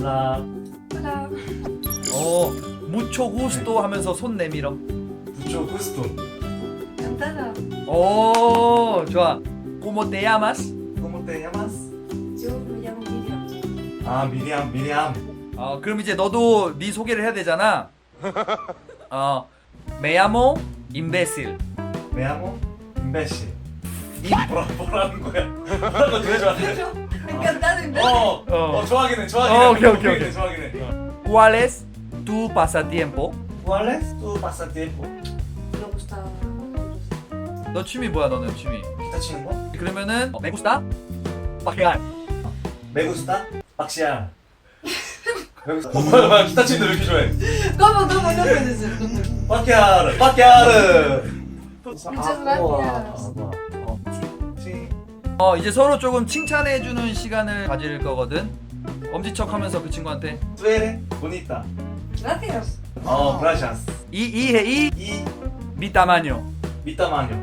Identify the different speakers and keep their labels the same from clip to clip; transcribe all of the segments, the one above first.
Speaker 1: 올라.
Speaker 2: Hola.
Speaker 3: 무초 구스토 하면서 손 내밀어.
Speaker 1: 무초 구스토.
Speaker 2: Encantada.
Speaker 3: 오, 좋아. ¿Cómo te llamas?
Speaker 1: ¿Cómo te llamas?
Speaker 2: Yo me llamo Miriam.
Speaker 1: 아, 미리암.
Speaker 3: 그럼 이제 너도 네 소개를 해야 되잖아. Me llamo imbécil.
Speaker 1: Me llamo imbécil. 뭐라는 거야? 뭐라는 거 되게 좋아하네.
Speaker 2: Encantado, imbécil.
Speaker 1: 좋아하긴 해.
Speaker 3: 오케이.
Speaker 1: 좋아하긴 해.
Speaker 3: ¿Cuál es tu pasatiempo?
Speaker 1: ¿Cuál es tu pasatiempo?
Speaker 2: Me gusta.
Speaker 3: 너 취미 뭐야, 너는 취미?
Speaker 1: 기타 치는 거?
Speaker 3: 그러면은 me gusta pajear.
Speaker 1: Me gusta 박시야. 뭐야, 기타 치는데 왜 이렇게 좋아해?
Speaker 2: ¿Cómo? No puede ser. No puede.
Speaker 1: 빠끼야르.
Speaker 2: Muchas gracias.
Speaker 3: 이제 서로 조금 칭찬해주는 시간을 가질 거거든. 엄지척하면서 그 친구한테
Speaker 1: Tú eres bonita.
Speaker 2: Gracias.
Speaker 1: Gracias.
Speaker 3: 이
Speaker 1: Y
Speaker 3: mi tamaño.
Speaker 1: mi tamaño.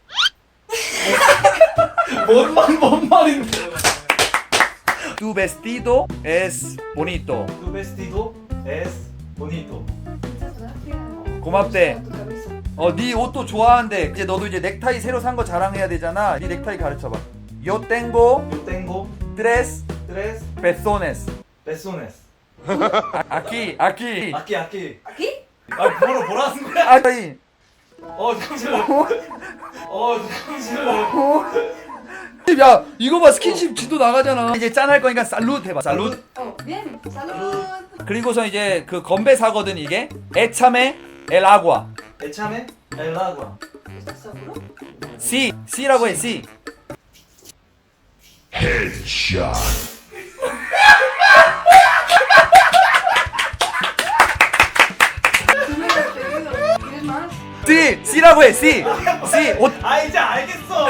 Speaker 1: 뭔 말인데?
Speaker 3: Tu vestido es bonito.
Speaker 1: Tu vestido es bonito.
Speaker 2: Muchas gracias.
Speaker 3: 고맙대.
Speaker 2: Tu camisa.
Speaker 3: 네 옷도 좋아하는데 이제 너도 이제 넥타이 새로 산 거 자랑해야 되잖아. 네 넥타이 가르쳐봐. Yo tengo
Speaker 1: Yo tengo
Speaker 3: tres
Speaker 1: 3
Speaker 3: pezones.
Speaker 1: pezones.
Speaker 3: Aquí.
Speaker 1: Aquí.
Speaker 2: ¿Aquí?
Speaker 1: 뭐라는 거야?
Speaker 3: 아이.
Speaker 1: 잠시만. 잠시만.
Speaker 3: 야, 이거 봐. 스킨십 지도 나가잖아. 이제 짠 할 거니까 살룻 해봐. 살룻.
Speaker 2: Oh, bien. Salud.
Speaker 3: 그리고서 이제 그 건배 사거든 이게. Échame el agua.
Speaker 1: Échame el agua.
Speaker 2: ¿Estás seguro?
Speaker 3: C라고 해. C.
Speaker 2: Tú me lo has pedido. ¿Quieres más?
Speaker 3: C라고 해. C. 옷.
Speaker 1: 이제 알겠어.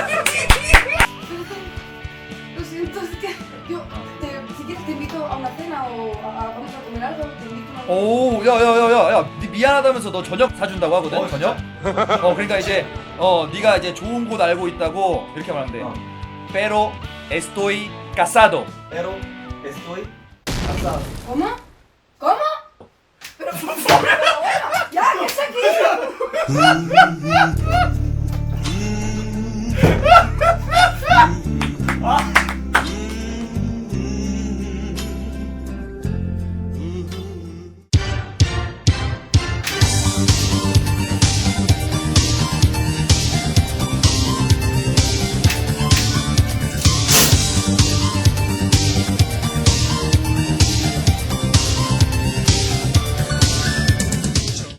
Speaker 2: Lo siento, es que yo, si quieres te invito a una cena o vamos a comer algo, te invito a una
Speaker 3: 오, 야, 네 미안하다면서 너 저녁 사준다고 하거든. 저녁. 그러니까 이제 네가 이제 좋은 곳 알고 있다고 이렇게 말하면 돼. Pero estoy casado.
Speaker 1: Pero estoy casado.
Speaker 2: ¿Cómo? ¿Cómo? Pero bueno, ya, que está aquí.